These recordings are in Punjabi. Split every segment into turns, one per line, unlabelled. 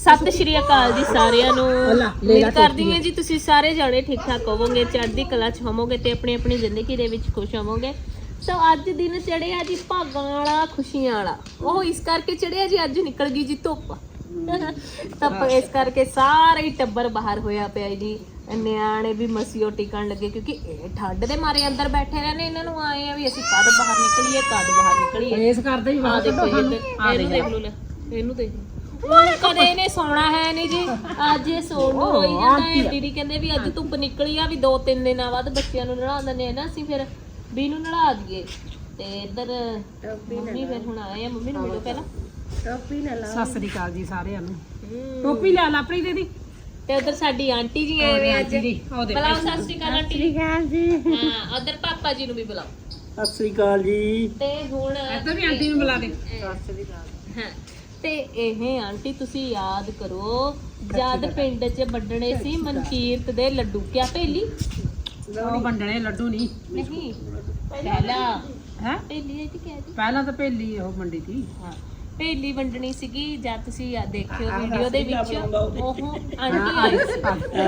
ਸਤਿ ਸ਼੍ਰੀ ਅਕਾਲ ਜੀ ਸਾਰਿਆਂ ਨੂੰ। ਉਮੀਦ ਕਰਦੀ ਹਾਂ ਜੀ ਤੁਸੀਂ ਸਾਰੇ ਜਾਣੇ ਠੀਕ ਠਾਕ ਹੋਵੋਗੇ, ਚੜ੍ਹਦੀ ਕਲਾ 'ਚ ਹੋਵੋਗੇ ਤੇ ਆਪਣੀ ਆਪਣੀ ਜ਼ਿੰਦਗੀ ਦੇ ਵਿੱਚ ਖੁਸ਼ ਹੋਵੋਗੇ। ਸੋ ਅੱਜ ਦਿਨ ਚੜਿਆ ਜੀ ਭਾਗਾਂ ਵਾਲਾ, ਖੁਸ਼ੀਆਂ ਵਾਲਾ। ਉਹ ਇਸ ਕਰਕੇ ਚੜਿਆ ਜੀ ਅੱਜ ਨਿਕਲ ਗਈ ਜੀ ਧੁੱਪ। ਧੁੱਪ ਇਸ ਕਰਕੇ ਸਾਰੇ ਹੀ ਟੱਬਰ ਬਾਹਰ ਹੋਇਆ ਪਿਆ ਜੀ। ਨਿਆਣੇ ਵੀ ਮਸੀਓ ਟਿਕਣ ਲੱਗੇ ਕਿਉਂਕਿ ਇਹ ਠੰਡ ਦੇ ਮਾਰੇ ਅੰਦਰ ਬੈਠੇ ਰਹਿੰਦੇ। ਇਹਨਾਂ ਨੂੰ ਆਏ ਆ ਵੀ ਅਸੀਂ ਕਦ ਬਾਹਰ ਨਿਕਲੀਏ, ਕਦ ਬਾਹਰ ਨਿਕਲੀਏ।
ਇਸ ਕਰਦੇ ਹੀ
ਬਾਹਰ ਦੇਖੋ ਜੀ, ਇਹਨੂੰ ਦੇਖ ਲਓ, ਲੈ ਇਹਨੂੰ ਦੇਖ ਲਓ। ਕਦੇ ਇਹਨੇ ਸੌਣਾ ਹੈ ਨਹੀਂ ਜੀ, ਅੱਜ ਇਹ ਸੌਣ ਨੂੰ ਰੋਈ ਜਾਂਦਾ ਹੈ। ਦੀਦੀ ਕਹਿੰਦੇ ਵੀ ਅੱਜ ਧੁੱਪ ਨਿਕਲੀ ਆ, ਵੀ 2-3 ਦਿਨਾਂ ਬਾਅਦ ਬੱਚਿਆਂ ਨੂੰ ਨਲਾ ਦਿੰਦੇ ਆ ਨਾ ਅਸੀਂ, ਫਿਰ ਵੀ ਨੂੰ ਨਲਾ ਦਈਏ। ਤੇ ਇੱਧਰ ਮੰਮੀ ਫਿਰ ਹੁਣ ਆਏ ਆ, ਮੰਮੀ ਨੂੰ ਮਿਲੋ ਪਹਿਲਾਂ।
ਸਤਿ ਸ੍ਰੀ ਅਕਾਲ ਜੀ ਸਾਰਿਆਂ ਨੂੰ। ਟੋਪੀ ਲੈ ਲਾ ਆਪਣੀ ਦੀਦੀ।
ਤੇ ਉਧਰ ਸਾਡੀ ਆਂਟੀ ਜੀ ਆਏ ਵੇ ਅੱਜ। ਬੁਲਾਓ ਸਤਿ ਸ੍ਰੀ ਅਕਾਲ ਆਂਟੀ ਜੀ। ਹਾਂ, ਉਧਰ ਪਾਪਾ ਜੀ ਨੂੰ ਵੀ ਬੁਲਾਓ
ਸਤਿ ਸ੍ਰੀ ਅਕਾਲ ਜੀ।
ਤੇ ਹੁਣ
ਇੱਧਰ ਵੀ ਆਂਟੀ ਨੂੰ ਬੁਲਾ ਦੇ।
ਹਾਂ, ਤੇ ਇਹ ਆਂਟੀ ਤੁਸੀਂ ਯਾਦ ਕਰੋ ਜਦ ਪਿੰਡ 'ਚ ਵੱਢਣੇ ਸੀ ਮਨਕੀਰਤ ਦੇ ਲੱਡੂ, ਕਿਆ ਭੇਲੀ?
ਉਹ ਵੰਡਣੇ ਲੱਡੂ ਨਹੀਂ
ਨਹੀਂ ਪਹਿਲਾਂ
ਹੈ,
ਭੇਲੀ ਹੈ ਕਿ ਕਿਆ ਜੀ?
ਪਹਿਲਾਂ ਤਾਂ ਪਹਿਲੀ ਉਹ ਮੰਡੀ ਸੀ।
ਹਾਂ, ਭੇਲੀ ਵੰਡਣੀ ਸੀਗੀ। ਜਦ ਤੁਸੀਂ ਦੇਖਿਓ ਵੀਡੀਓ ਦੇ ਵਿੱਚ ਉਹ ਆਂਟੀ ਆਈ ਸੀ।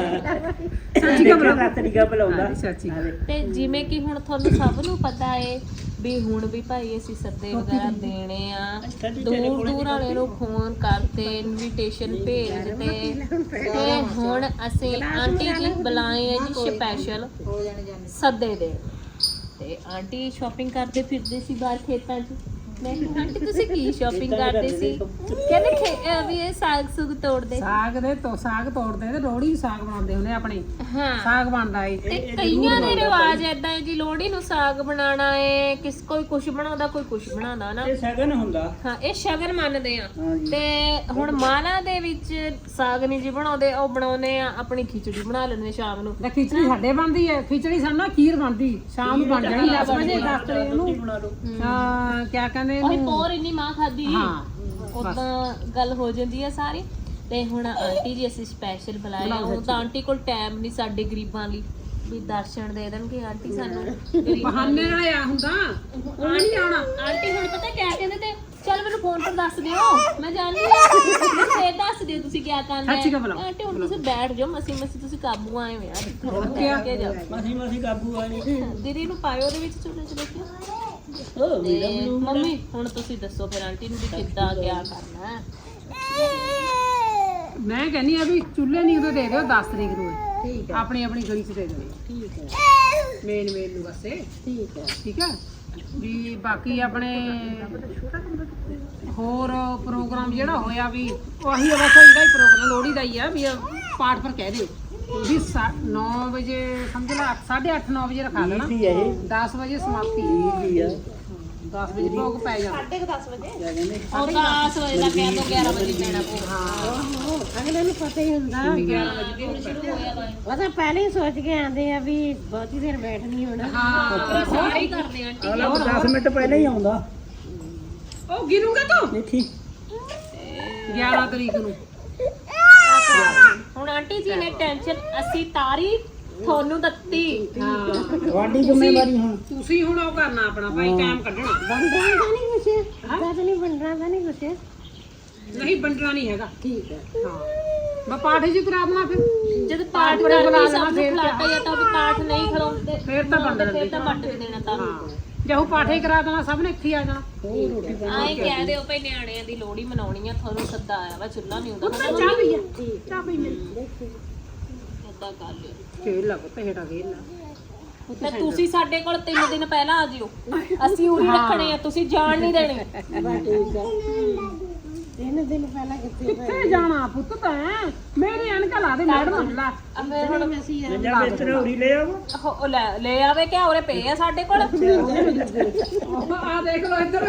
ਸੱਚੀ ਕਾ ਬੁਲਾ,
ਤਰੀਕਾ ਬੁਲਾਉਂਦਾ।
ਸੱਚੀ।
ਤੇ ਜਿਵੇਂ ਕਿ ਹੁਣ ਤੁਹਾਨੂੰ ਸਭ ਨੂੰ ਪਤਾ ਏ ਵੀ ਹੁਣ ਵੀ ਭਾਈ ਅਸੀਂ ਸੱਦੇ ਵਗੈਰਾ ਦੇਣੇ ਆ, ਦੂਰ ਦੂਰ ਵਾਲੇ ਨੂੰ ਫੋਨ ਕਰਤੇ, ਇਨਵੀਟੇਸ਼ਨ ਭੇਜਦੇ। ਤੇ ਹੁਣ ਅਸੀਂ ਆਂਟੀ ਜੀ ਬੁਲਾਏ ਆ ਜੀ ਸਪੈਸ਼ਲ ਸੱਦੇ ਦੇ। ਤੇ ਆਂਟੀ ਸ਼ਾਪਿੰਗ ਕਰਦੇ ਫਿਰਦੇ ਸੀ ਬਾਹਰ ਖੇਤਾਂ 'ਚ। ਮੈਂ ਕਿਹਾ ਆਂਟੀ ਤੁਸੀਂ ਕੀ ਸ਼ਾਪਿੰਗ ਕਰਦੇ ਸੀ? ਕਹਿੰਦੇ ਵੀ ਇਹ ਸਾਗ ਸੁਗ ਤੋੜਦੇ।
ਸਾਗ ਦੇ ਤੋਂ ਸਾਗ ਤੋੜਦੇ ਤੇ ਲੋਹੜੀ ਸਾਗ ਬਣਾਉਂਦੇ ਹੁੰਦੇ ਆਪਣੇ।
ਹਾਂ,
ਸਾਗ ਬਣਦਾ ਏ।
ਤੇ ਕਈਆਂ ਦੇ ਰਿਵਾਜ ਏਦਾਂ ਹੈ ਜੀ, ਲੋਹੜੀ ਨੂੰ ਸਾਗ ਬਣਾਉਣਾ ਏ। ਕੋਈ ਕੁਛ ਬਣਾਉਂਦਾ, ਕੋਈ ਕੁਛ ਬਣਾਉਂਦਾ ਨਾ।
ਇਹ ਸ਼ਗਨ ਹੁੰਦਾ।
ਹਾਂ, ਇਹ ਸ਼ਗਨ ਮੰਨਦੇ ਆ।
ਹਾਂਜੀ।
ਤੇ ਹੁਣ ਮਾਲਾ ਦੇ ਵਿੱਚ ਸਾਗ ਨਹੀਂ ਜੀ ਬਣਾਉਂਦੇ, ਉਹ ਬਣਾਉਨੇ ਆ ਆਪਣੀ ਖਿਚੜੀ ਬਣਾ ਲੈਂਦੇ ਸ਼ਾਮ ਨੂੰ।
ਤੇ ਖਿਚੜੀ ਸਾਡੇ ਬਣਦੀ ਹੈ, ਖਿਚੜੀ ਸਾਨੂੰ ਖੀਰ ਬਣਦੀ ਸ਼ਾਮ ਨੂੰ ਬਣ ਜਾਣੀ 10 ਵਜੇ 10 ਵਜੇ ਨੂੰ। ਹਾਂ, ਕਿਆ ਕਹਿੰਦੇ
ਉਹੀ ਪੋਰ ਇੰਨੀ ਮਾਂ ਖਾਦੀ।
ਹਾਂ,
ਉਦਾਂ ਗੱਲ ਹੋ ਜਾਂਦੀ ਆ ਸਾਰੀ। ਤੇ ਹੁਣ ਆਂਟੀ ਜੀ ਅਸੀਂ ਸਪੈਸ਼ਲ ਬੁਲਾਏ ਆ। ਉਹ ਤਾਂ ਆਂਟੀ ਕੋਲ ਟਾਈਮ ਨਹੀਂ ਸਾਡੇ ਗਰੀਬਾਂ ਲਈ ਵੀ ਦਰਸ਼ਨ ਦੇ ਦੇਣਗੇ ਆਂਟੀ ਸਾਨੂੰ।
ਬਹਾਨੇ ਨਾਲ ਆ ਹੁੰਦਾ, ਉਹ ਨਹੀਂ ਆਉਣਾ।
ਆਂਟੀ ਹੁਣ ਪਤਾ ਕਿਆ ਕਹਿੰਦੇ ਤੇ, ਚੱਲ ਮੈਨੂੰ ਫੋਨ ਪਰ ਦੱਸ ਦਿਓ, ਮੈਂ ਜਾਣਦੀ ਹਾਂ। ਫੇਰ ਦੱਸ ਦਿਓ ਤੁਸੀਂ ਕਿਆ ਕਰਨਾ
ਸੱਚੀ ਗੱਲ
ਹੈ।
ਬੁਲਾਓ।
ਆਂਟੀ ਹੁਣ ਤੁਸੀਂ ਬੈਠ ਜਾਓ, ਮਸੀ ਮਸੀ ਤੁਸੀਂ ਕਾਬੂ ਆਏ ਹੋ ਯਾਰ।
ਹੋਰ ਕਿਆ?
ਕੇ ਜਾਓ,
ਮਸੀਂ ਮਸੀਂ ਕਾਬੂ ਆ ਜੀ।
ਦੀਦੀ ਨੂੰ ਪਾਇਓ ਉਹਦੇ ਵਿੱਚ ਚੁੱਲ੍ਹੇ 'ਚ ਦੇਖਿਓ।
ਉਹ
ਤੇ ਮੰਮੀ ਹੁਣ ਤੁਸੀਂ ਦੱਸੋ ਫਿਰ ਆਂਟੀ ਨੂੰ ਵੀ ਕਿੱਦਾਂ ਕਿਆ ਕਰਨਾ ਹੈ।
ਮੈਂ ਕਹਿੰਨੀ ਆ ਵੀ ਚੁੱਲ੍ਹੇ ਨਹੀਂ ਉਦੋਂ ਦੇ ਦਿਓ 10 ਤਰੀਕ ਨੂੰ। ਠੀਕ ਹੈ, ਆਪਣੀ ਆਪਣੀ ਗਲੀ 'ਚ ਦੇ ਦਿਓ।
ਠੀਕ ਹੈ।
ਮੇਨ ਨੂੰ ਬਸੇ।
ਠੀਕ ਹੈ।
ਠੀਕ ਹੈ ਵੀ ਬਾਕੀ ਆਪਣੇ ਹੋਰ ਪ੍ਰੋਗਰਾਮ ਜਿਹੜਾ ਹੋਇਆ ਵੀ ਉਹੀ ਆ, ਬਸ ਇਹਦਾ ਹੀ ਪ੍ਰੋਗਰਾਮ ਲੋਹੜੀ ਦਾ ਹੀ ਆ ਵੀ ਪਾਠ ਪਰ ਕਹਿ ਦਿਓ ਵੀ 9 ਵਜੇ ਸਮਝ ਲਾ 8:30 9 ਵਜੇ ਰਖਾ ਦੇਣਾ। 10 ਵਜੇ ਸਮਾਪਤੀ
ਠੀਕ ਹੈ।
10 ਵਜੇ ਭੋਗ ਪੈ ਜਾਣਾ।
10:30 ਵਜੇ ਉਹ 10 ਵਜੇ ਦਾ ਪਿਆ ਤੋਂ 11 ਵਜੇ ਪੈਣਾ ਪਊਗਾ।
ਅਗਲੇ ਨੂੰ ਪਤਾ ਹੀ ਹੁੰਦਾ।
11 ਵਜੇ ਭੋਗ
ਸ਼ੁਰੂ ਹੋਇਆ ਵਾ।
ਉਹ ਤਾਂ ਪਹਿਲੇ ਹੀ ਸੋਚ ਕੇ ਆਂਦੇ ਆ ਵੀ ਬਹੁਤੀ ਦੇਰ ਬੈਠ ਨਹੀਂ ਹੋਣਾ।
ਹਾਂ,
ਸਾਰੇ ਹੀ ਕਰਦੇ ਆਂਟੀ।
ਅਗਲਾ 10 ਮਿੰਟ ਪਹਿਲਾਂ ਹੀ ਆਉਂਦਾ।
ਉਹ ਗਿਣੂਗਾ ਤੂੰ
ਨਹੀਂ ਠੀਕ।
11 ਤਰੀਕ ਨੂੰ।
ਹੁਣ ਆਂਟੀ ਜੀ ਨੇ ਟੈਨਸ਼ਨ ਅਸੀਂ ਤਾਰੀ ਤੁਹਾਨੂੰ ਦਿੱਤੀ।
ਹਾਂ,
ਤੁਹਾਡੀ ਜ਼ਿੰਮੇਵਾਰੀ ਹੁਣ।
ਤੁਸੀਂ ਹੁਣ ਉਹ ਕਰਨਾ ਆਪਣਾ ਭਾਈ, ਟਾਈਮ ਕੱਢਣਾ।
ਵੰਡਣਾ ਤਾਂ ਨਹੀਂ ਕੁਛ, ਤਾਂ ਨਹੀਂ ਵੰਡਣਾ ਤਾਂ ਨਹੀਂ ਕੁਛ।
ਨਹੀਂ ਵੰਡਣਾ ਨਹੀਂ ਹੈਗਾ। ਠੀਕ ਹੈ। ਹਾਂ, ਮੈਂ ਪਾਠ ਜੀ ਕਰਾ ਦੇਣਾ ਫਿਰ।
ਜਦ ਪਾਠ
ਬੁਲਾ
ਕਰਦੇ
ਲੈਣਾ
ਸਭ ਨੂੰ
ਫਿਰ
ਖਿਲਾਤਾ ਜਾਂ ਤਾਂ ਵੀ ਪਾਠ ਨਹੀਂ ਖਲਾਉਂਦੇ
ਫਿਰ ਤਾਂ ਵੰਡ
ਫਿਰ ਤਾਂ ਵੱਟ ਵੀ ਦੇਣਾ ਤਾਂ।
ਹਾਂ, ਜੇ ਉਹ ਪਾਠ ਹੀ ਕਰਾ ਦੇਣਾ ਸਭ ਨੇ ਇੱਥੇ ਹੀ ਆ ਜਾਣਾ।
ਆਏ ਕਹਿ ਦਿਓ ਭਈ ਨਿਆਣਿਆਂ ਦੀ ਲੋਹੜੀ ਮਨਾਉਣੀ ਆ, ਤੁਹਾਨੂੰ ਸੱਦਾ ਆਇਆ ਵਾ, ਚੁੱਲ੍ਹਾ ਨਹੀਂ ਹੁੰਦਾ।
ਚਾਹ ਪਈ ਆ, ਚਾਹ ਪਈ ਮੇਰੀ।
ਏਦਾਂ ਕਰ ਲਿਓ।
ਖੇਲ ਲਾ ਪੁੱਤ, ਹੇਠਾਂ ਖੇਲ ਲਾ।
ਤੇ ਤੁਸੀਂ ਸਾਡੇ ਕੋਲ 3 ਦਿਨ ਪਹਿਲਾਂ ਆ ਜਿਓ, ਅਸੀਂ ਉਰੀ ਰੱਖਣੇ ਆ, ਤੁਸੀਂ ਜਾਣ ਨਹੀਂ ਦੇਣੇ।
3 ਦਿਨ ਪਹਿਲਾਂ ਕਿੱਥੇ
ਕਿੱਥੇ ਜਾਣਾ ਪੁੱਤ ਤੈਂ? ਮੇਰੀ ਅਣਕਾ ਲਾ ਦੇ ਮੈਡਮ ਲਾ।
ਫਿਰ ਹੁਣ
ਜਾਂ ਬਿਸਤਰੇ ਉਰੀ ਲੈ ਆਵੋ।
ਉਹ ਲੈ ਆਵੇ ਕਿ ਉਰੇ ਪਏ ਆ ਸਾਡੇ ਕੋਲ।
ਆ ਦੇਖ ਲੋ ਇੱਧਰ,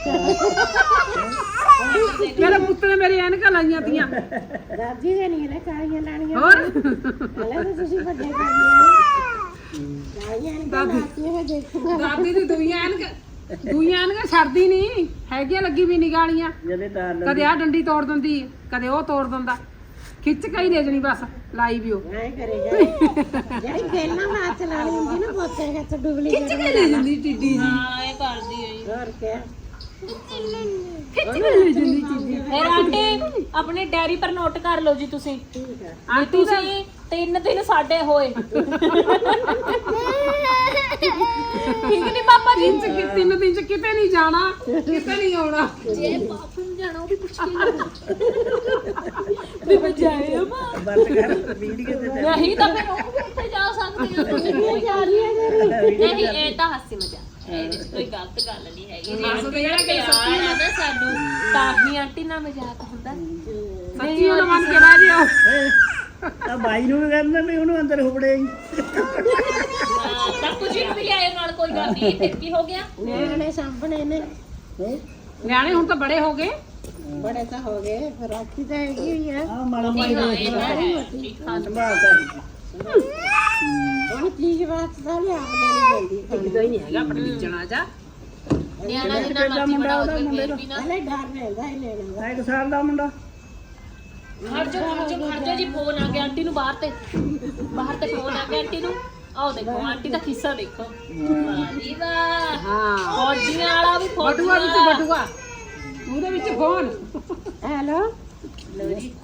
ਮੇਰੇ ਪੁੱਤ ਨੇ ਮੇਰੀ ਅਣਕਾ ਲਾਈਆਂ ਤੀਆਂ।
ਦਾਦੀ ਦੇ ਨਹੀਂ ਨਾ ਕਾਲੀਆਂ ਲਾਣੀਆਂ।
ਹੋਰ
ਹਲੇ ਤਾਂ ਤੁਸੀਂ ਵੱਡੇ ਕਰ ਲਿਓ।
ਦਾਦੀ ਦੀ ਦੂਈਆਂ ਅਣਕਾ ਛੱਡਦੀ ਨਹੀਂ ਹੈਗੀਆਂ, ਲੱਗੀ ਵੀ ਨਿਗਾਲੀਆਂ।
ਜਦੇ ਤਾਰ ਲੈ।
ਕਦੇ ਆ ਡੰਡੀ ਤੋੜ ਦਿੰਦੀ, ਕਦੇ ਉਹ ਤੋੜ ਦਿੰਦਾ। ਖਿੱਚ ਕੇ ਹੀ ਲੈ ਜਣੀ ਬਸ, ਲਾਈ ਵੀ ਉਹ
ਐ ਕਰੇਗਾ ਜਿਹੜੀ ਪਹਿਲਾਂ ਮਾਂ ਚਲਾਣੀ ਹੁੰਦੀ ਨਾ ਪੋਤੇ ਹੱਥ ਡੁਬਲੀ
ਖਿੱਚ ਕੇ ਲੈ ਜਾਂਦੀ ਟਿੱਡੀ ਜੀ।
ਹਾਂ, ਇਹ ਕਰਦੀ ਹੈ ਜੀ।
ਹੋਰ ਕਿਆ
ਫਿਰ ਆਂਟੀ ਆਪਣੇ ਡੈਰੀ ਪਰ ਨੋਟ ਕਰ ਲਓ ਜੀ ਤੁਸੀਂ ਵੀ ਤੁਸੀਂ 3 ਦਿਨ ਸਾਡੇ ਹੋਏ ਠੀਕ ਨਹੀਂ ਪਾਪਾ ਜੀ
3 ਦਿਨ ਚ ਕਿਤੇ ਨਹੀਂ ਜਾਣਾ ਕਿਤੇ ਨਹੀਂ ਆਉਣਾ
ਜੇ ਬਾਥਰੂਮ ਜਾਣਾ ਉਹ ਵੀ ਪੁੱਛ ਕੇ ਵੀ ਬਜਾਏ
ਬੰਦ ਕਰ ਵੀਡੀਓ ਤੇ
ਨਹੀਂ ਤਾਂ ਫਿਰ ਉਹ ਵੀ ਉੱਥੇ ਜਾ ਸਕਦੇ ਹੋ ਤੁਸੀਂ ਨਹੀਂ ਜਾ ਰਹੀ ਨਹੀਂ ਇਹ ਤਾਂ ਹਾਸੀ ਮਜ਼ਾਕ ਇਹਦੇ ਚ ਕੋਈ ਗਲਤ ਗੱਲ ਨਹੀਂ ਹੈਗੀ ਜੇ
ਹੱਸਦੇ ਆ ਕਿ
ਸੱਚੀ ਨਾ ਸਾਨੂੰ ਤਾਂ ਹੀ ਆਂਟੀ ਨਾਲ ਮਜ਼ਾਕ ਹੁੰਦਾ
ਸੱਚੀ ਉਹਨੂੰ ਮੰਨ ਕੇ ਰਾਜੀ ਹੋ
ਆ ਬਾਈ ਨੂੰ ਵੀ ਕਹਿੰਦਾ ਵੀ ਉਹਨੂੰ ਅੰਦਰ ਹੁਬੜੇ
ਤਾਂ ਕੁਝ ਵੀ ਲਿਆਏ ਨਾਲ ਕੋਈ ਗੱਲ ਨਹੀਂ ਫਿਰ ਕੀ ਹੋ ਗਿਆ
ਨਿਆਣੇ ਸਾਂਭਣੇ ਨੇ
ਨਿਆਣੇ ਹੁਣ ਤਾਂ ਬੜੇ ਹੋ ਗਏ
ਬੜੇ ਤਾਂ ਹੋ ਗਏ ਰਾਖੀ ਤਾਂ ਹੈਗੀ ਹੋਈ ਆ
ਆ ਮਾੜਾ
ਨਹੀਂ
ਮਾੜਾ
ਹਾਂ ਇਹ ਤਾਂ ਹੈ
ਸੰਭਾਲਦਾ ਹੈ
ਹੁਣ ਚੀਜ਼ ਵਾਸਤੇ ਤਾਂ ਲਿਆ ਦੇਣੀ ਪੈਂਦੀ
ਕਿਦਾਂ ਹੀ ਨਹੀਂ ਹੈਗਾ ਆਪਣੇ ਲਿਜਣਾ ਜਾ
ਨਿਆਣਾ ਜਿੰਨਾ ਮਰਜ਼ੀ ਬੜਾ ਹੋ ਜਾਵੇ ਫਿਰ ਵੀ ਨਾ
ਪਹਿਲੇ ਡਰ ਰਹਿੰਦਾ ਹੀ ਲੈਣ ਦਾ
1 ਸਾਲ ਦਾ ਮੁੰਡਾ
ਖੜ ਜਾ ਜੀ ਫੋਨ ਆ ਗਿਆ ਆਂਟੀ ਨੂੰ ਬਾਹਰ ਤੇ ਫੋਨ ਆ ਗਿਆ ਆਂਟੀ ਨੂੰ ਆਓ ਦੇਖੋ ਆਂਟੀ ਦਾ ਖਿੱਸਾ ਦੇਖੋ ਵਾਹ ਜੀ ਵਾਹ
ਹਾਂ
ਫੌਜੀਆਂ ਵਾਲਾ ਵੀ
ਬਟੂਆ ਵਿੱਚ
ਫੌਜੀਆਂ
ਬਟੂਆ ਉਹਦੇ ਵਿੱਚ ਫੋਨ
ਹੈਲੋ
ਲਓ ਜੀ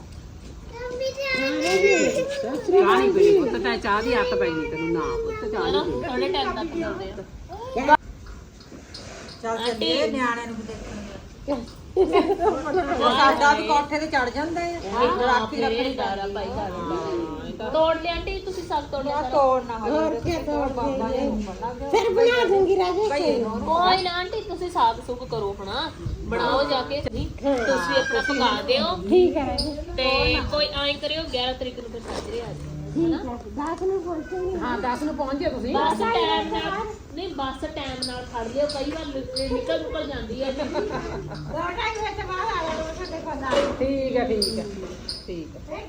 ਚਾਹ ਨਹੀਂ ਪੀਣੀ ਪੁੱਤ ਤਾਂ ਚਾਹ ਦੀ ਹੱਥ ਪਈ ਨਹੀਂ ਤੈਨੂੰ ਨਾ ਪੁੱਤ ਚਾਹ
ਚਲੋ
ਨਹੀਂ
ਥੋੜੇ ਟਾਈਮ ਤੱਕ ਮਿਲਦੇ ਆ ਚੱਲ ਚੱਲੀਏ ਨਿਆਣਿਆਂ ਨੂੰ ਵੀ
ਸਾਡਾ ਵੀ ਕੋਠੇ ਤੇ ਚੜ ਜਾਂਦਾ ਹੈ
ਰਾਖੀ ਰੱਖਣੀ ਦਾਰਾ ਭਾਈ ਤੋੜ ਲਿਆ ਆਂਟੀ ਤੁਸੀਂ ਸਭ ਤੋੜਿਆ ਸਾਰਾ?
ਤੋੜਨਾ
ਹੋਰ ਕੀ ਤੋੜ ਫਿਰ ਬਣਾ ਦੂੰਗੀ ਰਾਜੇ
ਕੋਈ ਨਾ ਆਂਟੀ ਤੁਸੀਂ ਸਾਗ ਸੁਗ ਕਰੋ ਹਣਾ ਬਣਾਓ ਜਾ ਕੇ ਤੁਸੀਂ ਆਪਣਾ ਪਕਾ ਦਿਓ
ਠੀਕ ਹੈ
ਤੇ ਕੋਈ ਐਂ ਕਰਿਓ 11 ਤਰੀਕ ਨੂੰ ਫਿਰ ਸਾਜਰੇ ਆ ਜਾਓ
ਠੀਕ ਹੈ 10 ਨੂੰ ਪਹੁੰਚੂਗੀ
ਹਾਂ 10 ਨੂੰ ਪਹੁੰਚ ਜਿਓ ਤੁਸੀਂ
ਬੱਸ ਟਾਈਮ ਨਾਲ ਨਹੀਂ ਬੱਸ ਟਾਈਮ ਨਾਲ ਖੜ ਲਿਓ ਕਈ ਵਾਰ ਨਿਕਲ ਜਾਂਦੀ ਹੈ
ਠੀਕ ਹੈ ਠੀਕ ਹੈ ਠੀਕ ਹੈ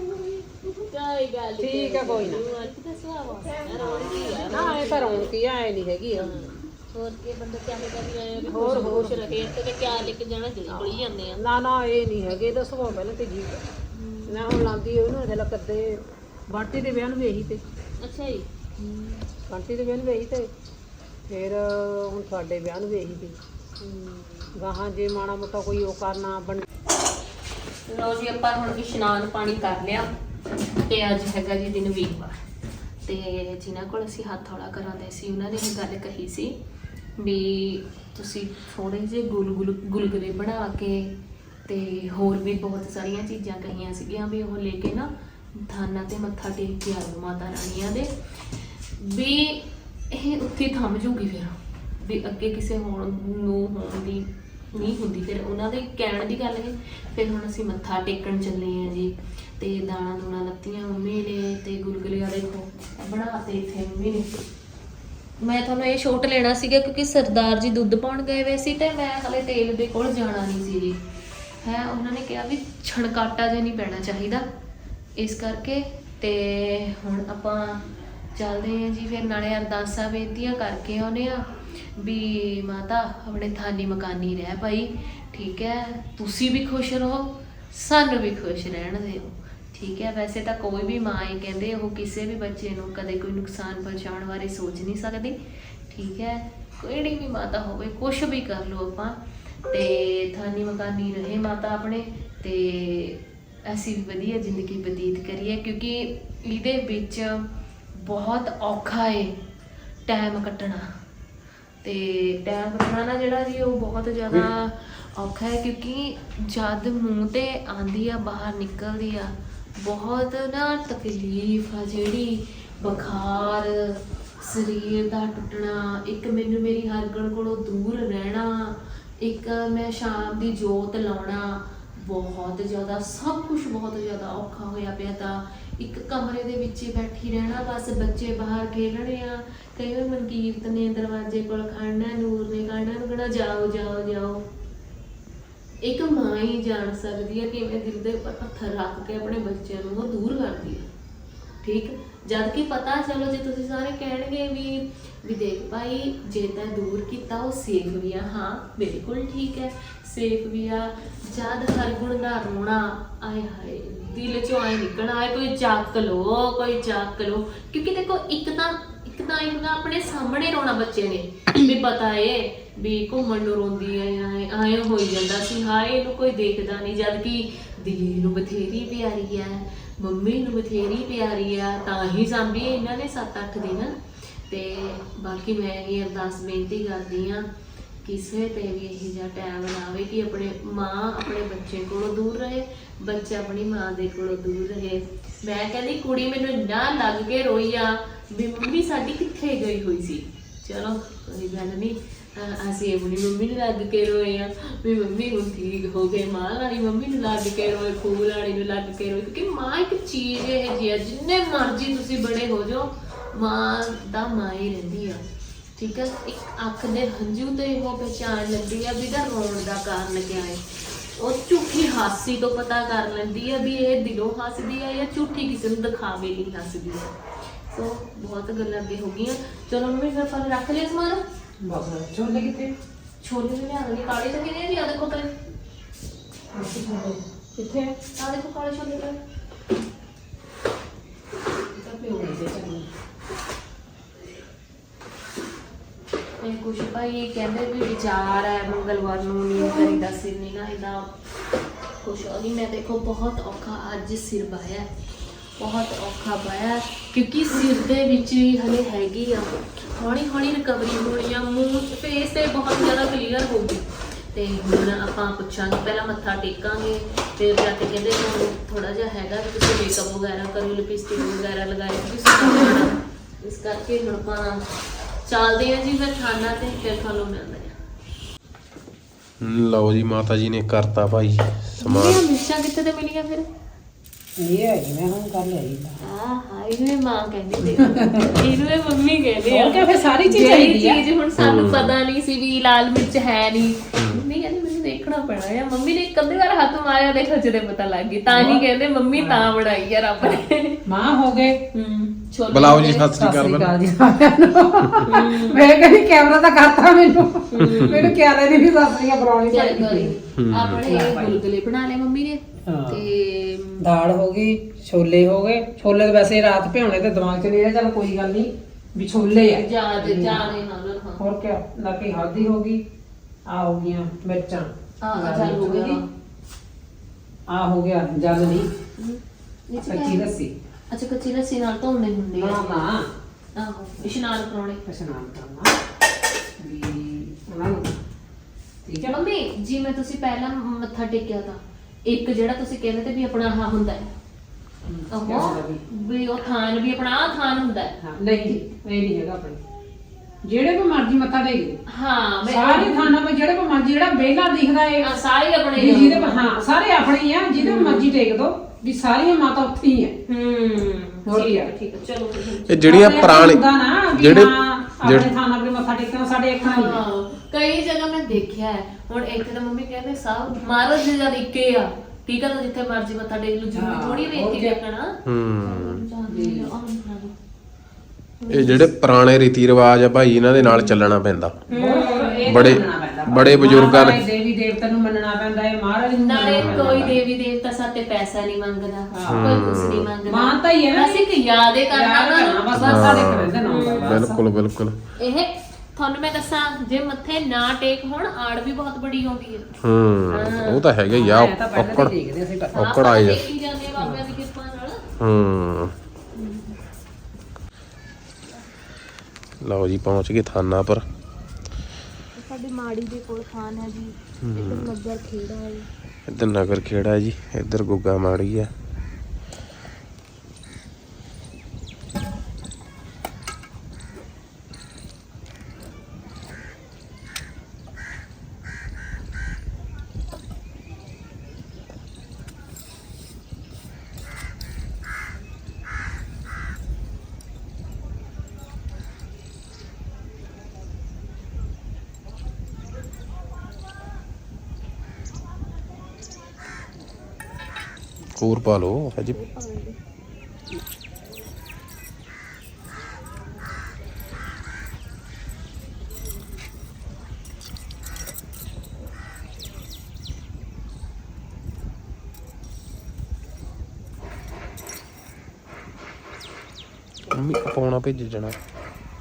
ਕੋਈ ਗੱਲ ਨੀ।
ਠੀਕ ਹੈ, ਕੋਈ ਨਾ।
ਅੱਜ ਤਾਂ ਸੁਆਹ ਰੌਣਕੀ ਆ
ਨਾ ਇਹ ਤਾਂ ਰੌਣਕੀ ਆ ਨਹੀਂ ਹੈਗੀ
ਹੋਰ ਕੀ ਬੰਦਾ ਚਾਹੇਗਾ ਵੀ ਆਏ ਵੀ ਹੋਰ ਖੁਸ਼ ਰਹੇ ਤੇ ਕਿਆ ਲੈ ਕੇ ਜਾਣਾ ਜਲਦੀ ਬੜੀ ਜਾਂਦੇ ਆ
ਨਾ ਨਾ ਇਹ ਨਹੀਂ ਹੈਗੇ ਦੱਸੋ ਪਹਿਲਾਂ ਤੇ ਜੀ ਮੈਂ ਹੁਣ ਲਾਂਦੀ ਉਹਨੂੰ ਇਹਦੇ ਲੱਗ ਕਰਦੇ ਬਾਟੀ ਦੇ ਵਿਆਹ ਨੂੰ ਵੀ ਇਹੀ ਤੇ
ਅੱਛਾ ਜੀ
ਬਾਟੀ ਦੇ ਵਿਆਹ ਨੂੰ ਵੀ ਇਹੀ ਤੇ ਫਿਰ ਹੁਣ ਸਾਡੇ ਵਿਆਹ ਨੂੰ ਵੀ ਇਹੀ ਤੇ ਗਾਹਾਂ ਜੇ ਮਾੜਾ ਮੋਟਾ ਕੋਈ ਉਹ ਕਰਨਾ ਬਣ
ਲੋ ਜੀ ਆਪਾਂ ਹੁਣ ਇਸ਼ਨਾਨ ਪਾਣੀ ਕਰ ਲਿਆ ਤੇ ਅੱਜ ਹੈਗਾ ਜੀ ਦਿਨ ਵੀਰਵਾਰ ਤੇ ਜਿਨ੍ਹਾਂ ਕੋਲ ਅਸੀਂ ਹੱਥ ਹੌਲਾ ਕਰਾਉਂਦੇ ਸੀ ਉਹਨਾਂ ਨੇ ਇਹ ਗੱਲ ਕਹੀ ਸੀ ਵੀ ਤੁਸੀਂ ਥੋੜੇ ਜਿਹੇ ਗੁਲਗੁਲੇ ਬਣਾ ਕੇ ਤੇ ਹੋਰ ਵੀ ਬਹੁਤ ਸਾਰੀਆਂ ਚੀਜ਼ਾਂ ਕਹੀਆਂ ਸੀਗੀਆਂ ਵੀ ਉਹ ਲੈ ਕੇ ਨਾ ਥਾਨਾਂ ਤੇ ਮੱਥਾ ਟੇਕ ਕੇ ਆਇਓ ਮਾਤਾ ਰਾਣੀਆਂ ਦੇ ਵੀ ਇਹ ਉੱਥੇ ਥੰਮ ਜੂਗੀ ਫਿਰ ਵੀ ਅੱਗੇ ਕਿਸੇ ਹੋਣ ਦੀ ਨਹੀਂ ਹੁੰਦੀ ਫਿਰ ਉਹਨਾਂ ਦੇ ਕਹਿਣ ਦੀ ਗੱਲ ਹੈ ਫਿਰ ਹੁਣ ਅਸੀਂ ਮੱਥਾ ਟੇਕਣ ਚੱਲੇ ਆ ਜੀ ਤੇ ਦਾਣਾ ਦੂਣਾ ਲੱਤੀਆਂ ਮੰਮੀ ਨੇ ਤੇ ਗੁਲਗੁਲੇ ਆ ਦੇਖੋ ਬਣਾਤੇ ਇੱਥੇ ਮੰਮੀ ਨੇ ਮੈਂ ਤੁਹਾਨੂੰ ਇਹ ਛੋਟ ਲੈਣਾ ਸੀਗਾ ਕਿਉਂਕਿ ਸਰਦਾਰ ਜੀ ਦੁੱਧ ਪਾਉਣ ਗਏ ਹੋਏ ਸੀ ਤੇ ਮੈਂ ਹਲੇ ਤੇਲ ਦੇ ਕੋਲ ਜਾਣਾ ਨਹੀਂ ਸੀ ਜੀ ਹੈ ਉਹਨਾਂ ਨੇ ਕਿਹਾ ਵੀ ਛਣਕਾਟਾ ਜਿਹਾ ਨਹੀਂ ਪੈਣਾ ਚਾਹੀਦਾ ਇਸ ਕਰਕੇ ਤੇ ਹੁਣ ਆਪਾਂ ਚੱਲਦੇ ਹਾਂ ਜੀ ਫਿਰ ਨਾਲੇ ਅਰਦਾਸਾਂ ਬੇਨਤੀਆਂ ਕਰਕੇ ਆਉਨੇ ਆ ਵੀ ਮਾਤਾ ਆਪਣੇ ਥਾਨੀ ਮਕਾਨੀ ਰਹਿ ਭਾਈ ਠੀਕ ਹੈ ਤੁਸੀਂ ਵੀ ਖੁਸ਼ ਰਹੋ ਸਾਨੂੰ ਵੀ ਖੁਸ਼ ਰਹਿਣ ਦਿਓ ਠੀਕ ਹੈ ਵੈਸੇ ਤਾਂ ਕੋਈ ਵੀ ਮਾਂ ਹੀ ਕਹਿੰਦੇ ਉਹ ਕਿਸੇ ਵੀ ਬੱਚੇ ਨੂੰ ਕਦੇ ਕੋਈ ਨੁਕਸਾਨ ਪਹੁੰਚਾਉਣ ਬਾਰੇ ਸੋਚ ਨਹੀਂ ਸਕਦੀ ਠੀਕ ਹੈ ਕਿਹੜੀ ਵੀ ਮਾਤਾ ਹੋਵੇ ਕੁਛ ਵੀ ਕਰ ਲਓ ਆਪਾਂ ਤੇ ਥਾਨੀ ਮਕਾਨੀ ਰਹੇ ਮਾਤਾ ਆਪਣੇ ਤੇ ਅਸੀਂ ਵੀ ਵਧੀਆ ਜ਼ਿੰਦਗੀ ਬਤੀਤ ਕਰੀਏ ਕਿਉਂਕਿ ਇਹਦੇ ਵਿੱਚ ਬਹੁਤ ਔਖਾ ਏ ਟਾਈਮ ਕੱਟਣਾ ਤੇ ਟਾਈਮ ਕੱਟਣਾ ਨਾ ਜਿਹੜਾ ਜੀ ਉਹ ਬਹੁਤ ਜ਼ਿਆਦਾ ਔਖਾ ਹੈ ਕਿਉਂਕਿ ਜਦ ਮੂੰਹ ਤੇ ਆਂਦੀ ਆ ਬਾਹਰ ਨਿਕਲਦੀ ਆ ਬਹੁਤ ਨਾ ਤਕਲੀਫ ਆ ਜਿਹੜੀ ਬੁਖਾਰ ਸਰੀਰ ਦਾ ਟੁੱਟਣਾ ਇੱਕ ਮੈਨੂੰ ਮੇਰੀ ਹਰਗਣ ਕੋਲੋਂ ਦੂਰ ਰਹਿਣਾ ਇੱਕ ਮੈਂ ਸ਼ਾਮ ਦੀ ਜੋਤ ਲਾਉਣਾ ਬਹੁਤ ਜ਼ਿਆਦਾ ਸਭ ਕੁਝ ਬਹੁਤ ਜ਼ਿਆਦਾ ਔਖਾ ਹੋਇਆ ਪਿਆ ਤਾਂ ਇੱਕ ਕਮਰੇ ਦੇ ਵਿੱਚ ਹੀ ਬੈਠੀ ਰਹਿਣਾ ਬਸ ਬੱਚੇ ਬਾਹਰ ਖੇਡਣੇ ਆ ਕਈ ਵਾਰ ਮਨਕੀਰਤ ਨੇ ਦਰਵਾਜ਼ੇ ਕੋਲ ਖੜਨਾ ਨੂਰ ਨੇ ਖੜਨਾ ਨੂੰ ਕਹਿਣਾ ਜਾਓ ਜਾਓ ਜਾਓ ਇੱਕ ਮਾਂ ਹੀ ਜਾਣ ਸਕਦੀ ਹੈ ਕਿਵੇਂ ਦਿਲ ਦੇ ਉੱਪਰ ਪੱਥਰ ਰੱਖ ਕੇ ਆਪਣੇ ਬੱਚਿਆਂ ਨੂੰ ਉਹ ਦੂਰ ਕਰਦੀ ਹੈ ਠੀਕ ਜਦ ਕਿ ਪਤਾ ਚਲੋ ਜੇ ਤੁਸੀਂ ਸਾਰੇ ਕਹਿਣਗੇ ਵੀ ਦੇਖ ਭਾਈ ਜੇ ਤਾਂ ਦੂਰ ਕੀਤਾ ਉਹ ਸੇਫ ਵੀ ਆ ਹਾਂ ਬਿਲਕੁਲ ਠੀਕ ਹੈ ਸੇਫ ਵੀ ਆ ਜਦ ਹਰਗੁਣ ਦਾ ਰੋਣਾ ਆਏ ਹਾਏ ਦਿਲ ਚੋਂ ਆਏ ਨਿਕਲਣਾ ਆਏ ਕੋਈ ਚੱਕ ਲੋ ਕਿਉਂਕਿ ਦੇਖੋ ਇੱਕ ਤਾਂ ਇੱਕ ਤਾਂ ਇਹ ਹੁੰਦਾ ਆਪਣੇ ਸਾਹਮਣੇ ਰੋਣਾ ਬੱਚੇ ਨੇ ਵੀ ਪਤਾ ਏ ਵੀ ਘੁੰਮਣ ਨੂੰ ਰੋਂਦੀ ਐ ਐ ਹੋਈ ਜਾਂਦਾ ਸੀ ਹਾਏ ਇਹਨੂੰ ਕੋਈ ਦੇਖਦਾ ਨਹੀਂ, ਜਦ ਕਿ ਦੀਦੀ ਨੂੰ ਬਥੇਰੀ ਪਿਆਰੀ ਆ, ਮੰਮੀ ਨੂੰ ਬਥੇਰੀ ਪਿਆਰੀ ਆ, ਤਾਂ ਹੀ ਸਾਂਭੀ ਇਹਨਾਂ ਨੇ 7-8 ਦਿਨ। ਤੇ ਬਾਕੀ ਮੈਂ ਇਹ ਅਰਦਾਸ ਬੇਨਤੀ ਕਰਦੀ ਆ ਕਿਸੇ ਤੇ ਵੀ ਇਹੋ ਜਿਹਾ ਟਾਈਮ ਨਾ ਆਵੇ ਕਿ ਆਪਣੇ ਮਾਂ ਆਪਣੇ ਬੱਚੇ ਕੋਲੋਂ ਦੂਰ ਰਹੇ, ਬੱਚਾ ਆਪਣੀ ਮਾਂ ਦੇ ਕੋਲੋਂ ਦੂਰ ਰਹੇ। ਮੈਂ ਕਹਿੰਦੀ ਕੁੜੀ ਮੈਨੂੰ ਇੰਨਾ ਲੱਗ ਕੇ ਰੋਈ ਆ ਵੀ ਮੰਮੀ ਸਾਡੀ ਕਿੱਥੇ ਗਈ ਹੋਈ ਸੀ। ਚਲੋ ਕੋਈ ਗੱਲ ਨਹੀਂ, ਅਸੀਂ ਆਪਣੀ ਮੰਮੀ ਨੂੰ ਲੱਗ ਕੇ ਰੋਏ ਆ ਵੀ ਮੰਮੀ ਹੁਣ ਠੀਕ ਹੋ ਗਏ, ਮਾਂ ਵਾਲੀ ਮੰਮੀ ਨੂੰ ਲੱਗ ਕੇ ਰੋਏ, ਖੂਹ ਵਾਲੀ ਨੂੰ ਲੱਗ ਕੇ ਰੋਏ, ਕਿਉਂਕਿ ਮਾਂ ਇੱਕ ਚੀਜ਼ ਇਹ ਜਿਹੀ ਆ ਜਿੰਨੇ ਮਰਜ਼ੀ ਤੁਸੀਂ ਬੜੇ ਹੋ ਜਾਓ ਮਾਂ ਦਾ ਮਾਂ ਹੀ ਰਹਿੰਦੀ ਆ। ਠੀਕ ਹੈ, ਇੱਕ ਅੱਖ ਦੇ ਹੰਝੂ ਤੇ ਉਹ ਪਹਿਚਾਣ ਲੈਂਦੀ ਆ ਵੀ ਇਹਦਾ ਰੋਣ ਦਾ ਕਾਰਨ ਕਿਆ ਹੈ। ਉਹ ਝੂਠੀ ਹਾਸੀ ਤੋਂ ਪਤਾ ਕਰ ਲੈਂਦੀ ਆ ਵੀ ਇਹ ਦਿਲੋਂ ਹੱਸਦੀ ਆ ਜਾਂ ਝੂਠੀ ਕਿਸੇ ਨੂੰ ਦਿਖਾਵੇ ਲਈ ਹੱਸਦੀ ਆ। ਸੋ ਬਹੁਤ ਗੱਲਾਂ ਅੱਗੇ ਹੋ ਗਈਆਂ। ਚਲੋ ਮੰਮੀ ਫਿਰ ਆਪਾਂ ਰੱਖ ਲਿਆ ਸਮਾਨ।
ਬਸ ਛੋਲੇ ਕਿੱਥੇ?
ਛੋਲੇ ਵੀ ਲਿਆ ਦੇਣੀ, ਕਾਲੇ ਛੋਲੇ ਨੇ ਵੀ ਆ ਦੇਖੋ ਤੇ
ਕਿੱਥੇ?
ਆ ਦੇਖੋ ਕਾਲੇ ਛੋਲੇ ਤੇ
ਤਾਂ ਪਿਓ ਦੇ ਚੱਲ।
ਇਹ ਕੁਛ ਭਾਈ ਕਹਿੰਦੇ ਵੀ ਵਿਚਾਰ ਹੈ ਮੰਗਲਵਾਰ ਨੂੰ ਨੀਂਦ ਕਰੀਦਾ ਸਿਰ ਨਹੀਂ ਨਾ ਇਹਦਾ ਕੁਛ ਉਹੀ। ਮੈਂ ਦੇਖੋ ਬਹੁਤ ਔਖਾ ਅੱਜ ਸਿਰ ਬਾਇਆ, ਬਹੁਤ ਔਖਾ ਬਾਇਆ ਕਿਉਂਕਿ ਸਿਰ ਦੇ ਵਿੱਚ ਵੀ ਹਲੇ ਹੈਗੀ ਆ, ਹੌਲੀ ਹੌਲੀ ਰਿਕਵਰੀ ਹੋਣੀ ਆ। ਮੂੰਹ ਫੇਸ ਤੇ ਬਹੁਤ ਜ਼ਿਆਦਾ ਕਲੀਅਰ ਹੋ ਗਈ। ਤੇ ਹੁਣ ਆਪਾਂ ਪੁੱਛਾਂਗੇ, ਪਹਿਲਾਂ ਮੱਥਾ ਟੇਕਾਂਗੇ, ਫਿਰ ਜਾ ਕੇ ਕਹਿੰਦੇ ਥੋੜਾ ਜਿਹਾ ਹੈਗਾ ਵੀ ਤੁਸੀਂ ਮੇਕਅਪ ਵਗੈਰਾ ਕਰੋ, ਲਿਪਸਟਿਕ ਵਗੈਰਾ ਲਗਾਏ, ਇਸ ਕਰਕੇ ਹੁਣ ਆਪਾਂ ਚੱਲਦੇ ਆ ਜੀ ਫਿਰ ਖਾਣਾ ਤੇ ਫਿਰ ਤੁਹਾਨੂੰ ਮਿਲਦੇ ਆ।
ਲਓ ਜੀ ਮਾਤਾ ਜੀ ਨੇ ਕਰਤਾ ਭਾਈ ਸਮਾਨ।
ਇਹ ਮਿਰਚਾਂ ਕਿੱਥੇ ਤੇ ਮਿਲੀਆਂ ਫਿਰ?
ਇਹ ਹੈ ਜਿਵੇਂ ਹੁਣ ਕਰ ਲਿਆਈ
ਹਾਂ ਇਹਨੂੰ ਇਹ ਮਾਂ ਕਹਿੰਦੀ ਸੀ, ਇਹਨੂੰ ਇਹ ਮੰਮੀ ਕਹਿੰਦੇ ਆ।
ਉਹ ਕਿਆ ਫਿਰ ਸਾਰੀ ਚੀਜ਼
ਜਿਹੜੀ
ਚਾਹੀਦੀ ਆ।
ਚੀਜ਼ ਹੁਣ ਸਾਨੂੰ ਪਤਾ ਨਹੀਂ ਸੀ ਵੀ ਲਾਲ ਮਿਰਚ ਹੈ ਨਹੀਂ, ਮੰਮੀ ਕਹਿੰਦੀ ਮੈਨੂੰ ਦੇਖਣਾ ਪੈਣਾ ਆ। ਮੰਮੀ ਨੇ ਇੱਕ ਅੱਧੀ ਵਾਰ ਹੱਥ ਮਾਰਿਆ ਦੇਖੋ ਜਿਹਦੇ ਪਤਾ ਲੱਗ ਗਈ, ਤਾਂ ਹੀ ਕਹਿੰਦੇ ਮੰਮੀ ਤਾਂ ਬਣਾਈ ਆ ਰੱਬ ਨੇ।
ਮਾਂ ਹੋ ਗਏ।
ਛੋਲੇ
ਬੁਲਾਓ ਜੀ, ਸਤਿ ਸ੍ਰੀ ਅਕਾਲ।
ਮੈਂ ਕਹਿੰਦੀ ਕੈਮਰਾ ਤਾਂ ਕਰਤਾ ਮੈਨੂੰ ਕਿਹਾ ਨਹੀਂ ਵੀ ਸਬਜ਼ੀਆਂ ਬਣਾਉਣੀ ਚਾਹੀਦੀ।
ਆਪਣੇ ਗੁਲਗੁਲੇ ਬਣਾ ਲਏ ਮੰਮੀ ਨੇ ਤੇ
ਦਾਲ ਹੋ ਗਈ, ਛੋਲੇ ਹੋ ਗਏ। ਛੋਲੇ ਤਾਂ ਵੈਸੇ ਰਾਤ ਭਿਉਣੇ ਤੇ ਦਿਮਾਗ 'ਚ ਨਹੀਂ ਰਿਹਾ, ਚੱਲ ਕੋਈ ਗੱਲ ਨਹੀਂ ਵੀ ਛੋਲੇ ਆ।
ਜਾਦੇ ਨਾਲ
ਹੋਰ ਕੀ ਲੱਗੀ ਹਲਦੀ ਹੋ ਗਈ, ਆ ਹੋ ਗਈਆਂ ਮਿਰਚਾਂ,
ਜਲ ਹੋ ਗਈ,
ਆ ਹੋ ਗਿਆ ਜਲ ਨਹੀਂ ਕੱਚੀ ਲੱਸੀ।
ਅੱਛਾ ਕੱਚੀ ਲੱਸੀ ਨਾਲ ਧੋਣੇ ਹੁੰਦੇ ਆ।
ਬਣਾਉਣਾ
ਆਹੋ ਇਸ਼ਨਾਨ ਕਰਾਉਣੇ,
ਇਸ਼ਨਾਨ ਕਰਨਾ ਵੀ ਉਹਨਾਂ ਨੂੰ। ਠੀਕ ਹੈ
ਮੰਮੀ ਜੀ। ਮੈਂ ਤੁਸੀਂ ਪਹਿਲਾਂ ਮੱਥਾ ਟੇਕਿਆ ਤਾਂ ਇੱਕ ਜਿਹੜਾ ਤੁਸੀਂ ਕਹਿੰਦੇ ਤੇ ਵੀ ਆਪਣਾ ਆਹ ਹੁੰਦਾ ਹੈ, ਉਹ ਵੀ ਉਹ ਥਾਨ ਵੀ ਆਪਣਾ ਆਹ ਥਾਨ ਹੁੰਦਾ ਹੈ।
ਹਾਂ ਨਹੀਂ ਇਹ ਨਹੀਂ ਹੈਗਾ ਆਪਣੇ ਜਿਹੜੇ ਕੋ ਮਰਜ਼ੀ ਮੱਥਾ ਟੇਕ ਦੇ।
ਹਾਂ
ਸਾਰੇ ਥਾਨਾਂ 'ਤੇ ਜਿਹੜੇ ਕੋ ਮਰਜ਼ੀ ਜਿਹੜਾ ਵਿਹਲਾ ਦਿਖਦਾ ਏ
ਸਾਰੇ ਆਪਣੇ
ਵੀ ਜਿਹਦੇ ਹਾਂ ਸਾਰੇ ਆਪਣੇ ਹੀ ਆ, ਜਿਹਦੇ ਮਰਜ਼ੀ ਟੇਕ ਦੋ ਵੀ ਸਾਰੀਆਂ ਮਾਤਾ ਉੱਥੇ ਹੀ ਆ। ਹੋਰ ਕੀ ਆ?
ਠੀਕ ਹੈ ਚਲੋ
ਇਹ ਜਿਹੜੀਆਂ ਪੁਰਾਣੇ ਜਿਹੜੇ
ਆਪਣੇ ਥਾਨਾਂ 'ਤੇ ਮੱਥਾ ਟੇਕਣਾ ਸਾਡੇ ਅੱਖਾਂ ਨਹੀਂ ਆ।
ਕਈ ਜਗ੍ਹਾ ਮੈਂ ਦੇਖਿਆ ਹੈ। ਹੁਣ ਇੱਥੇ ਤਾਂ ਮੰਮੀ ਕਹਿੰਦੇ ਸਭ ਮਹਾਰਾਜ ਜੀ ਜਦ ਇੱਕੇ ਆ, ਠੀਕ ਆ, ਤਾਂ ਜਿੱਥੇ ਮਰਜ਼ੀ ਮੱਥਾ ਟੇਕ ਲਓ, ਜ਼ਰੂਰੀ ਥੋੜੀ ਵੇਖੀ ਦੇਖਣਾ।
ਇਹ ਜਿਹੜੇ ਪੁਰਾਣੇ ਰੀਤੀ ਰਿਵਾਜ ਆ ਭਾਈ ਇਹਨਾਂ ਦੇ ਨਾਲ ਚੱਲਣਾ ਪੈਂਦਾ। ਬੜੇ ਬਜ਼ੁਰਗਾਂ ਨੇ
ਦੇਵੀ ਦੇਵਤਾ ਨੂੰ ਮੰਨਣਾ ਪੈਂਦਾ ਹੈ, ਮਹਾਰਾਜ ਨੂੰ
ਨਾਲੇ ਕੋਈ ਦੇਵੀ ਦੇਵਤਾ ਸਾਤੇ ਪੈਸਾ ਨਹੀਂ ਮੰਗਦਾ, ਕੋਈ ਕੁਛ ਨਹੀਂ ਮੰਗਦਾ।
ਮਾਨਤਾ ਹੀ ਹੈ ਨਾ,
ਅਸੀਂ ਕਿ ਯਾਦੇ ਕਰਨਾ
ਬਸ ਸਾਡੇ ਘਰੇ ਦਾ ਨਾਮ ਦਾ।
ਬਿਲਕੁਲ ਬਿਲਕੁਲ।
ਇਹ ਤੁਹਾਨੂੰ ਮੈਂ ਦੱਸਾਂ ਜੇ ਮੱਥੇ ਨਾ ਟੇਕ ਹੋਣ ਆੜ ਵੀ ਬਹੁਤ ਬੜੀ ਆਉਂਦੀ ਹੈ।
ਉਹ ਤਾਂ ਹੈਗਾ ਹੀ ਆ। ਔਕੜ
ਦੇਖਦੇ ਅਸੀਂ ਪਰ
ਔਕੜ ਆਈ ਜਾ।
ਦੇਖੀ ਜਾਂਦੇ ਆ ਬਾਬਿਆਂ ਦੀ ਕਿਰਪਾ ਨਾਲ।
ਲਓ ਜੀ ਪਹੁੰਚ ਗਏ ਥਾਨਾ ਪਰ।
ਸਾਡੇ ਮਾੜੀ ਦੇ ਕੋਲ ਥਾਨ ਹੈ ਜੀ, ਇੱਧਰ ਨਗਰ ਖੇੜਾ ਹੈ,
ਇੱਧਰ ਨਗਰ ਖੇੜਾ ਜੀ, ਇੱਧਰ ਗੁੱਗਾ ਮਾੜੀ ਆ। ਹੋਰ ਪਾ ਲਓ ਹਜੇ। ਮੰਮੀ ਪਾਉਣਾ ਭੇਜ ਜਾਣਾ।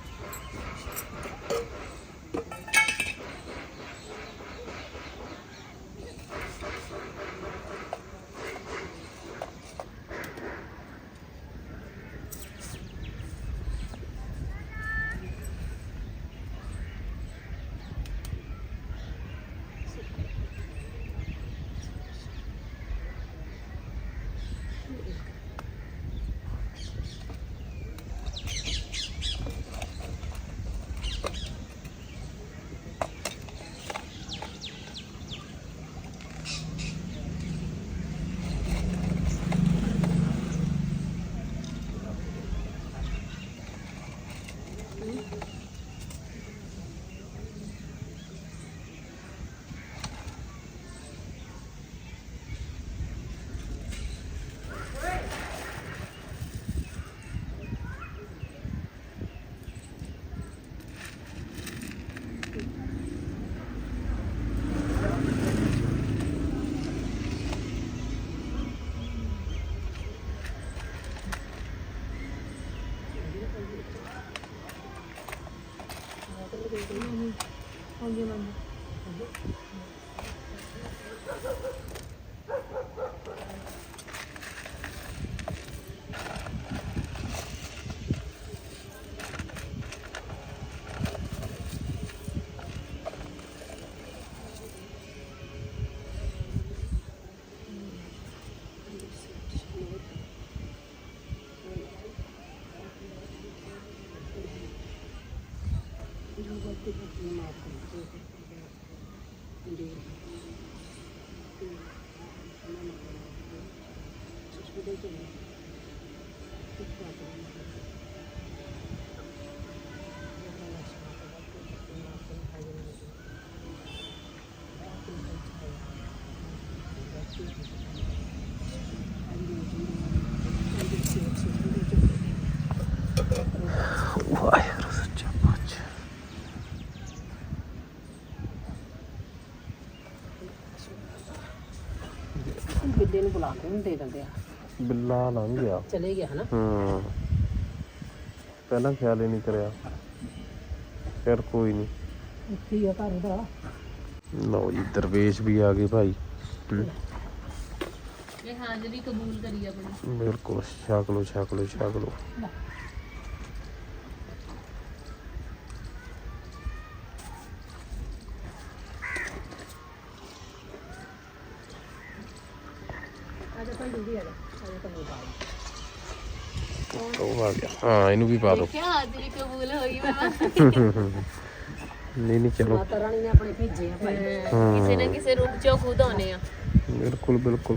ਵਾਹਿਗੁਰੂ ਸੱਚਾ ਪਾਤਸ਼ਾਹ।
ਬਿੱਲੇ ਨੂੰ ਬੁਲਾ ਕੇ ਉਹਨੂੰ ਦੇ ਦਿੰਦੇ ਆ।
ਬਿੱਲਾ ਲੰਘ ਗਿਆ।
ਚਲੇ ਗਿਆ ਹਨਾ।
ਪਹਿਲਾਂ ਖਿਆਲ ਹੀ ਨਹੀਂ ਕਰਿਆ। ਫਿਰ ਕੋਈ ਨਹੀਂ।
ਇੱਥੇ ਆ ਘਰ ਉਹਦਾ।
ਲਓ ਜੀ ਦਰਵੇਸ਼ ਵੀ ਆ ਗਏ ਭਾਈ।
ਇਹ ਹਾਜ਼ਰੀ ਕਬੂਲ ਕਰੀ ਆਪਣੀ।
ਬਿਲਕੁਲ ਛਕ ਲਓ ਛਕ ਲਓ ਛਕ ਲਓ। ਉਹ ਆ ਗਿਆ। ਹਾਂ ਇਹਨੂੰ ਵੀ ਪਾ ਦਿਓ।
ਕਿਆ ਹਾਜ਼ਰੀ ਕਬੂਲ ਹੋਈ ਬਾਬਾ।
ਨਹੀਂ ਨਹੀਂ ਚਲੋ।
ਮਾਤਾ ਰਾਣੀ ਨੇ ਆਪਣੇ ਭੇਜੇ ਆ ਭਾਈ।
ਕਿਸੇ ਨਾ ਕਿਸੇ ਰੂਪ ਚੋਂ ਖੁਦ ਆਉਣੇ ਆ।
ਬਿਲਕੁਲ ਬਿਲਕੁਲ।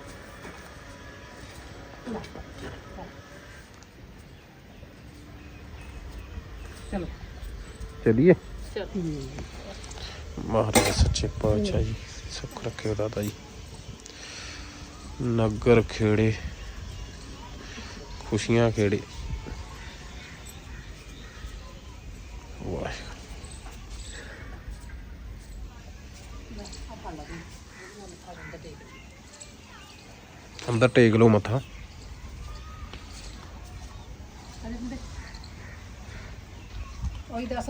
ਚਲੋ
ਚਲਿਏ।
ਚਲੋ
ਮਹਾਰਾਜ ਸੱਚੇ ਪਾਤਸ਼ਾਹ ਜੀ ਸੁੱਖ ਰੱਖਿਓ ਦਾਦਾ ਜੀ। ਨਗਰ ਖੇੜੇ ਖੁਸ਼ੀਆਂ ਖੇੜੇ। ਵਾਹਿਗੁਰੂ। ਅੰਦਰ ਟੇਕ ਲਓ ਮੱਥਾ।
ਉਹੀ ਦੱਸ